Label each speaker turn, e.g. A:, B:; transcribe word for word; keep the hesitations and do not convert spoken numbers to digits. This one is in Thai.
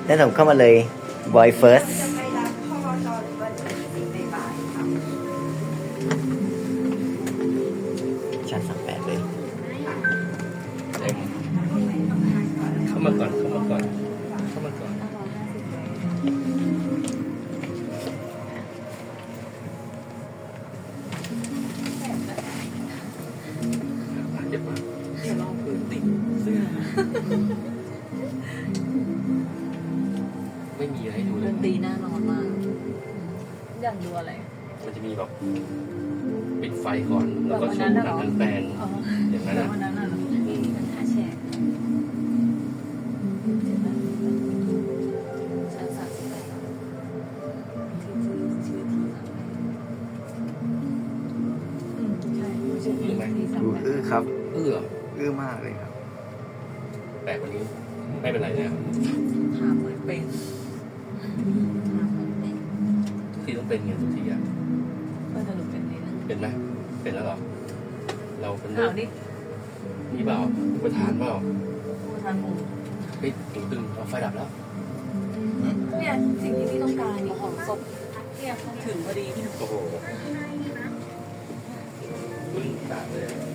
A: แล้วผมเข้ามาเลย boy first
B: จะไปรับข้อจอหรือว่าจะไปในบ่ายค่ะ
A: ชั้นสามแปดเลย
C: เต็มเข้ามาก่อนเข้ามาก่อนเข้ามาก่อนเจ็บมาก
D: เดี๋ยวลองพื้นติดเสื้อ
C: ไม่มีอะไรให้ดูเล
D: ด
C: ย
D: นตรีน่านอนมากอยากดูอะไร
C: มันจะมีแบบปิดไฟก่อนแล้วก็โชว์หนังกลางแปลง
D: อ๋อ
C: อย่างนั้น
D: แต่
C: นะ
D: วันนั้นน่ะ
C: อืม
D: ท่าแชร์ชั้นสามสิบแปดชื่อที่อืมใช่ชื่อที่ที่สาม
A: ดู
D: แปด
A: อื้อครับ
C: เออ
A: อื้อมากเลยครับ
C: แปลกกว่านี้ไม่เป็นไรนะ
D: ถามเหมือนเป็นถามเหมือนเป็น
C: ทุกทีต้องเป็นไงทุกทีอะ
D: ก็จะหนูเป็นในนั้น
C: เป็นไหมเป็นแล้วเหรอเราเป็น
D: ข่าวดิ
C: นี่เปล่าประธานเปล่า
D: ประธานหมู่
C: เฮ้ยตึงตึงเอาไฟดับแล้ว
D: เนี่ยสิ่งที่พี่ต้องการนี่ของศพเนี่ยถึงพอดีพี่หนู
C: โอ้โหมึงตาเลย